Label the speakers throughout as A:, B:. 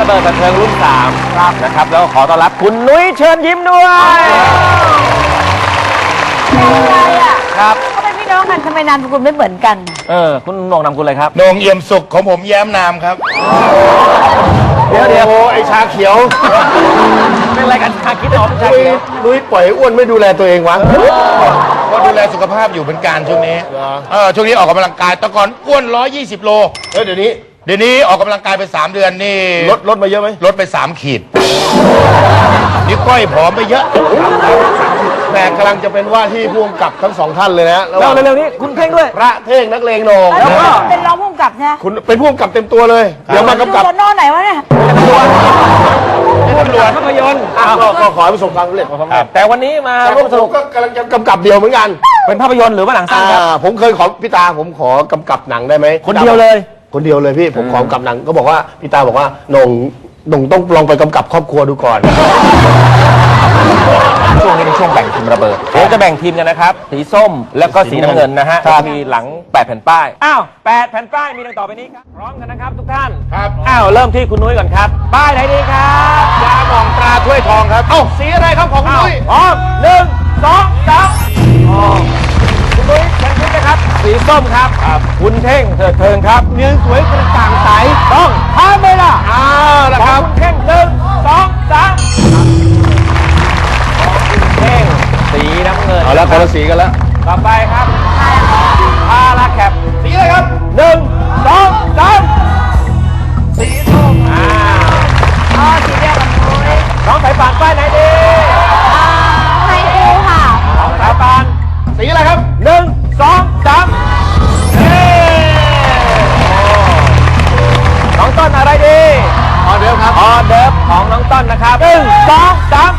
A: ระเบิดบันเทิงรุ่น3ครับนะครับแล้วขอต้อนรับคุณนุ้ยเชิญยิ้มด้วย
B: อะไรอ่ะ
A: ครับ
B: เขาเป็นพี่น้องกันทำไมนามสกุลไม่เหมือนกัน
A: คุณโหน่งนามสกุลอะไรครับ
C: โหน่งเอี่ยมสุขของผมแย้มนามครับ
A: เดี๋ยว
C: ไอชาเขียว
A: เป็นอะไรกันชาคิดออกชาเขียว
C: นุ้ยปล่อยอ้วนไม่ดูแลตัวเองวะก็ดูแลสุขภาพอยู่เป็นการช่วงนี้ช่วงนี้ออกกำลังกายแต่ก่อนอ้วน120 โลเดี๋ยวนี้ออกกำลังกายไป3 เดือนนี่ลดมาเยอะไหมลดไป3 ขีดนี่ก้อยผอมไปเยอะแม่กำลังจะเป็นว่าที่ผู้กำกับทั้ง2 ท่านเลยนะ
A: แล้วเร็วๆนี้คุณเท่งด้วย
C: พระเท่งนักเลงโหน่ง
B: แล้วก็เป็นรองผู้กำกับนะ
C: คุณเป็นผู้กำกับเต็มตัวเลยเดี๋ยวมากำกับ
B: ดูนอนไหนวะเนี่ย
A: ตำรวจภาพยนตร์
C: ก็ขอให้ประสบความสำเร็จ
A: แต่วันนี้มา
C: ร่วมสนุกก็กำลังจะกำกับเดียวเหมือนกัน
A: เป็นภาพยนตร์หรือว่าหนังสั้นครับ
C: ผมเคยขอพี่ตาผมขอกำกับหนังได้ไหม
A: คนเดียวเลย
C: พี่ผมขอกำกับหนังก็บอกว่าพี่ตาบอกว่าหน่งต้องลองไปกำกับครอบครัวดูก่อน
A: ช่วงนี้เป็นช่วงแบ่งทีมระเบิดเดี๋ยวจะแบ่งทีมกันนะครับสีส้มแล้วก็สีน้ำเงินนะฮะจะมีหลัง8 แผ่นป้าย8 แผ่นป้ายมีดังต่อไปนี้ครับพร้อมกันนะครับทุกท่าน
C: ครับ
A: เริ่มที่คุณนุ้ยก่อนครับป้ายไหนดีครับ
C: ยาหม่องตราถ้วยทองครับสีอะไรครับของคุณนุ้ย
A: พร้อม1 2 3คุณนุ้ยเชิญยิ้มนะครับสีส้มครับคุณเท่งเถิดเทิงครับ
C: เนื้อสวยกระจ่างใส
A: ต้องทำเลยล่ะ
C: ละครับ
A: คุณเท่ง1 2 3เท่งสีน้ำเงิน
C: เอาแล้วคนละสีกันแล้ว
A: ต่อไปครับพาราแคป
C: สีอะไรครับ
A: 1 2 3สีส้ม
B: สีเดียวกับนุ้ย
A: น้องสายป่านป้ายไหนดี
B: ไฮคูค่ะ
A: น้องสายป่าน
C: สีอะไรครับ
A: 1 2 3น้องต้นอะไรดี
C: ออเดิร์ฟครับ
A: ออเดิร์ฟของน้องต้นนะครับ1 2 3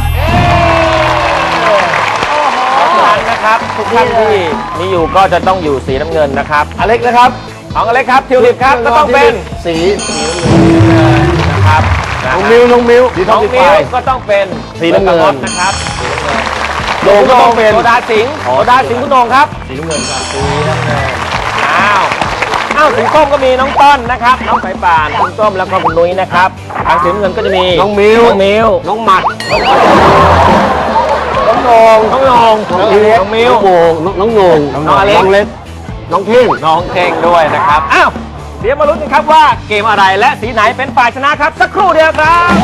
A: นะครับทุกท่านที่มีอยู่ก็จะต้องอยู่สีน้ำเงินนะครับ
C: อเล็กนะครับ
A: ของอเล็กครับทิวลิปครับก็ต้องเป็น
C: สี
A: นะครับ
C: น้องมิว
A: น้องมิวก็ต้องเป็น
C: สีน้ำเงิน
A: นะครับ
C: โหน่งก็ต้องเป็น
A: โซดาสิงคุณโหน่งครับ
C: สีน้ำเงินครับ
A: สีน้ำเงินสีส้มก็มีน้องต้นนะครับน้องสายป่านคุณส้มแล้วก็คุณนุ้ยนะครับทางสีน้ำเงินก็จะมี
C: น้องมิว
A: น้องหมัด
C: น้องโหน่ง
A: น้องมิว
C: น้องโหน่งน้องเล็กน้องเท่ง
A: ด้วยนะครับเดี๋ยวมาลุ้นกันครับว่าเกมอะไรและสีไหนเป็นฝ่ายชนะครับสักครู่เดียวครับ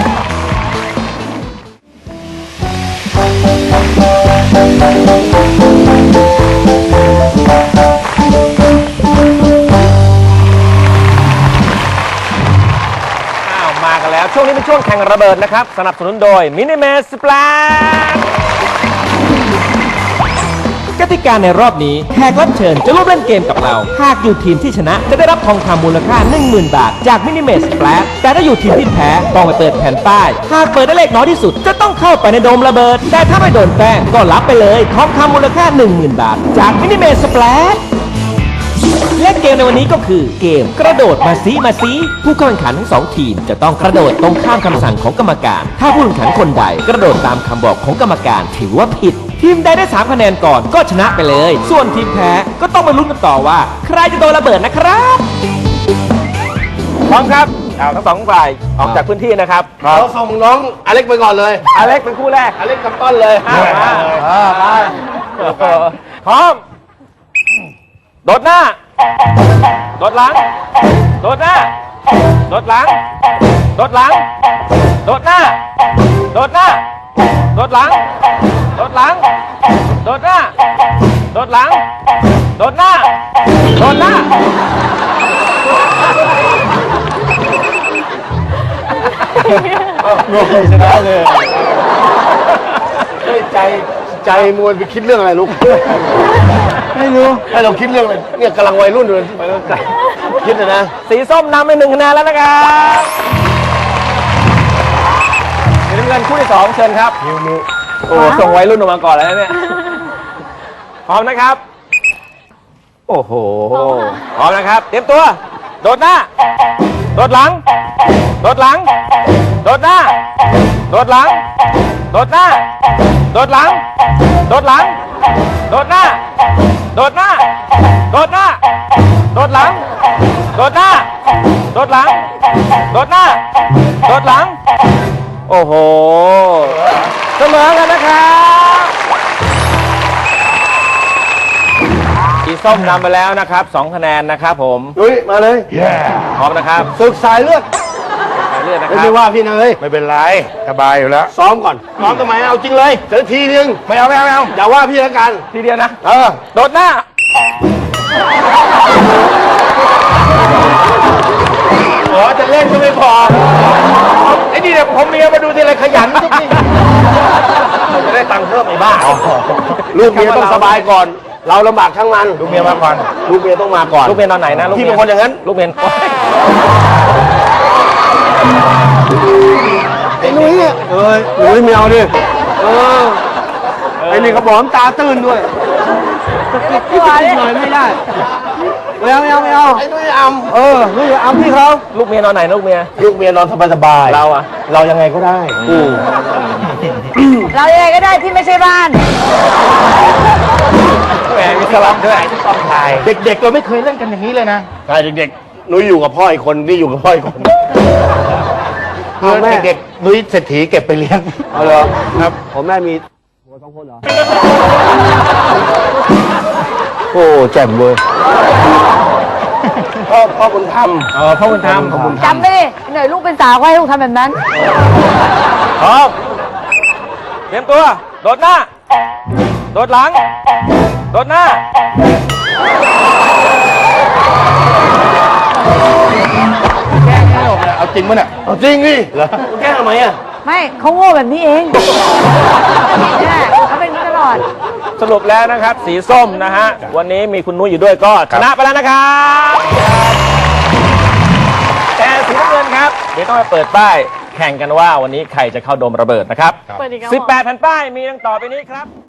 A: มากันแล้วช่วงนี้เป็นช่วงแข่งระเบิดนะครับสนับสนุนโดยมินิเมสสปลาชกติกาในรอบนี้แขกรับเชิญจะร่วมเล่นเกมกับเราหากอยู่ทีมที่ชนะจะได้รับทองคำมูลค่า 10,000 บาทจากมินิเมสสปลาชแต่ถ้าอยู่ทีมที่แพ้ต้องไปเปิดแผ่นป้ายหากเปิดได้เลขน้อยที่สุดจะต้องเข้าไปในโดมระเบิดแต่ถ้าไม่โดนแป้งก็รับไปเลยทองคำมูลค่า 10,000 บาทจากมินิเมสสปลาชและเกมในวันนี้ก็คือเกมกระโดดมาซีผู้เข้าแข่งขันทั้ง2ทีมจะต้องกระโดดตรงข้ามคำสั่งของกรรมการถ้าผู้แข่งขันคนใดกระโดดตามคำบอกของกรรมการถือว่าผิดทีมใดได้3 คะแนนก่อนก็ชนะไปเลยส่วนทีมแพ้ก็ต้องมาลุ้นกันต่อว่าใครจะโดนระเบิดนะครับพร้อมครับทั้ง2 ฝ่ายออกจากพื้นที่นะครับ
C: เราส่งน้องอเล็กไปก่อนเลย
A: อเล็กเป็นคู่แรก
C: อเล็กกับต้นเลย
A: พร้อมโดดหน้าโดดหลังโดดหน้าโดดหลังโดดหลังโดดหน้าโดดหน้าโดดหลังโดดหลังโดดหน้าโดดหลังโดดหน้าโดดหน้า
C: โง่ชนะเลยใจมวนไปคิดเรื่องอะไรลูกไม่รู้ให้เราคิดเรื่องอะไรเนี่ยกำลังวัยรุ่นเลยคิดนะ
A: สีส้มนำไป1 คะแนนแล้วนะครับสีน้ำเงินคู่ที่2เชิญครับ
C: มิว
A: โอ้ส่งวัยรุ่นออกมาก่อนแล้วเนี่ยพร้อมนะครับโอ้โหพร้อมนะครับเตรียมตัวโดดหน้าโดดหลังโดดหลังโดดหน้าโดดหลังโดดหน้าโดดหลังโดดหลังโดดหน้าโดดหน้าโดดหน้าโดดหลังโดดหน้าโดดหลังโดดหน้าโดดหลัง โอ้โหเสมอกันนะครับสีส้มนำไปแล้วนะครับ2คะแนนนะครับผม
D: ลุยมาเลย
A: พร้อมนะครับ
D: ศึกสายเลือด
A: ไปเรื่อยนะค
D: ไม่
A: รับ
D: ได้ว่าพี่นะเอ้ย
C: ไม่เป็นไรสบายอยู่แล้ว
D: ซ้อมก่อนซ้อมทำไมเอาจริงเลยเดี๋ยวทีนึง
C: ไม่เอา
D: อย่าว่าพี่แล้วกัน
A: ทีเดียวนะ
D: เออ
A: โดดหน้า
C: อ๋อจะเล่นก็ไม่พอไอ้นี่เนี่ยผมเมียมาดูทีไรขยันทุกที
D: จะได้ตังค์เพิ่มไอ้บ้าลูกเมียต้องสบายก่อน เราลำบากทั้งมัน
C: ดูเมียมาก่อน
D: ลูกเมียต้องมาก่อน
A: ลูกเมียนอนไหนนะลูก
D: พี่
A: เมี
D: เป็นคนอย่างนั้น
A: ลูกเมียน
D: ไอ้นุ้ยเนี่ยเอ้ยนุ้ยไม่เอาดิไอ้นี่เขาบอกน้ำตาตื้นด้วย
B: ตัวเนี่ย
D: หน่อยไม่ได้ไม่เอาไอ้นุ้ยอำนุ้ยอำพี่เขา
A: ลูกเมียนอนไหนลูกเมีย
D: ลูกเมียนอนสบายๆ
A: เราอะ
D: เรายังไงก็ได้
B: เรายังไงก็ได้ที่ไม่ใช่บ้าน
A: แหมมีสลับด้วย
C: ต้องถ่ายเด็กๆเราไม่เคยเล่นกันอย่างนี้เลยนะ
D: ใช่เด็กๆนุ้ยอยู่กับพ่ออีกคนนี่อยู่กับพ่ออีกคน
C: เพื่อนเด็กๆนุ้ยเศรษฐีเก็บไปเลี้ยง
D: เอาเลยครับผมแม่มีหัว2 คนเหรอโอ้แจ่มเว้ยพ่อบุญธรรม
A: พ่อบุญธรรม
B: จำไม่ได้หน่อยลูกเป็นสาวก็ให้ลูกทำแบบนั้น
A: พร้อมเตรียมตัว โดดหน้า โดดหลัง โดดหน้า
C: เอาจริงมั้ยเนี่ย
D: เอาจริงดิเหรอแก้ทำไมอ่ะ
B: ไม่เขาโง่แบบนี้เองเนี่ยเขาเป็นอย่างนี้ตลอด
A: สรุปแล้วนะครับ สีส้มนะฮะ วันนี้มีคุณนุ้ยอยู่ด้วยก็ชนะไปแล้วนะครับแต่สีน้ำเงินครับ เดี๋ยวต้องไปเปิดป้ายแข่งกันว่าวันนี้ใครจะเข้าโดมระเบิดนะครับ 18 แผ่นป้ายมีดังต่อไปนี้ครับ